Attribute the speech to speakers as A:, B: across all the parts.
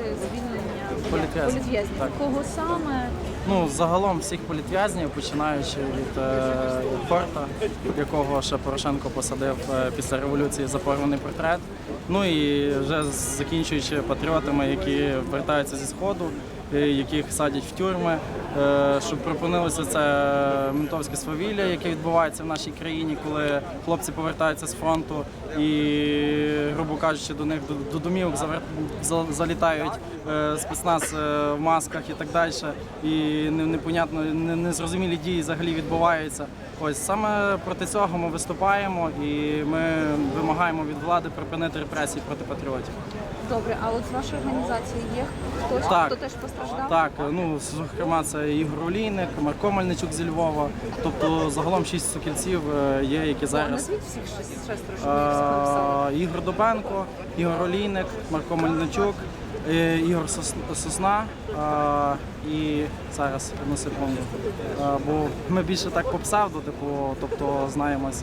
A: звільнення
B: Політв'язнів.
A: Кого саме?
B: Ну, загалом всіх політв'язнів, починаючи від Хорта, якого ще Порошенко посадив після революції за порваний портрет. Ну і вже закінчуючи патріотами, які вертаються зі Сходу, яких садять в тюрми, щоб припинилося це ментовське свавілля, яке відбувається в нашій країні, коли хлопці повертаються з фронту і, грубо кажучи, до них до домівок залітають спецназ в масках і так далі. І непонятно, незрозумілі дії взагалі відбуваються. Ось саме проти цього ми виступаємо і ми вимагаємо від влади припинити репресії проти патріотів.
A: Добре, а от з вашої організації є хтось, хто теж постраждав?
B: Так, ну, зокрема, це Ігор Олійник, Марко Мельничук зі Львова, тобто загалом 6 сокільців є, які зараз...
A: Назвіть всіх шестеро, що ви написали.
B: Ігор Добенко, Ігор Олійник, Марко Мельничук, Ігор Сосна і зараз, одну секунду, бо ми більше так по псевдо, тобто знаємось.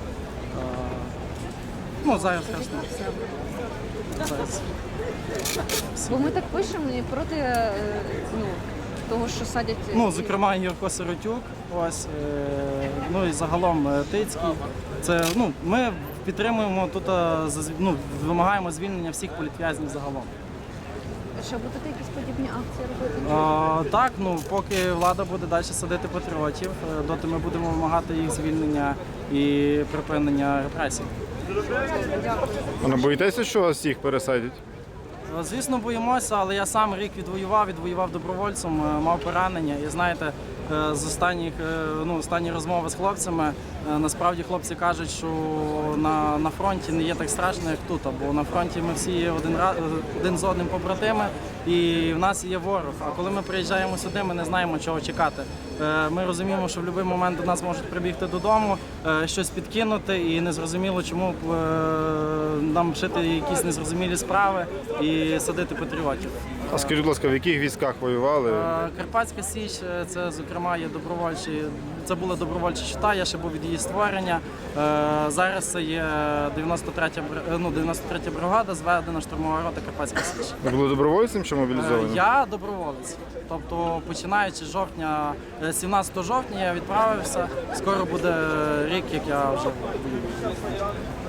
B: Ну, зараз страшно. Зараз.
A: Бо ми так пишемо і проти того, що садять...
B: Ну, зокрема, Юрко Сиротюк, ось, ну і загалом Тицький. Це, ну, ми підтримуємо тут, ну, вимагаємо звільнення всіх політв'язнів загалом.
A: Що будете якісь подібні акції робити?
B: Так, ну, поки влада буде далі садити патріотів, доти ми будемо вимагати їх звільнення і припинення репресій.
C: А не боїтеся, що вас всіх пересадять?
B: Звісно, боїмося, але я сам рік відвоював добровольцем, мав поранення. І знаєте, з останні розмови з хлопцями, насправді хлопці кажуть, що на фронті не є так страшно, як тут. Бо на фронті ми всі є один з одним побратими, і в нас є ворог. А коли ми приїжджаємо сюди, ми не знаємо, чого чекати. Ми розуміємо, що в будь-який момент до нас можуть прибігти додому, щось підкинути, і незрозуміло, чому нам вчити якісь незрозумілі справи і садити патріотів.
C: А скажіть, будь ласка, в яких військах воювали?
B: Карпатська Січ, це, зокрема, є добровольчі. Це була добровольча щита, я ще був від її створення. Зараз це є 93-я бригада, зведена штурмова рота Карпатська Січ.
C: Ви були добровольцем чи мобілізованим?
B: Я доброволець. Тобто, починаючи з 17 жовтня я відправився. Скоро буде рік, як я вже воюю.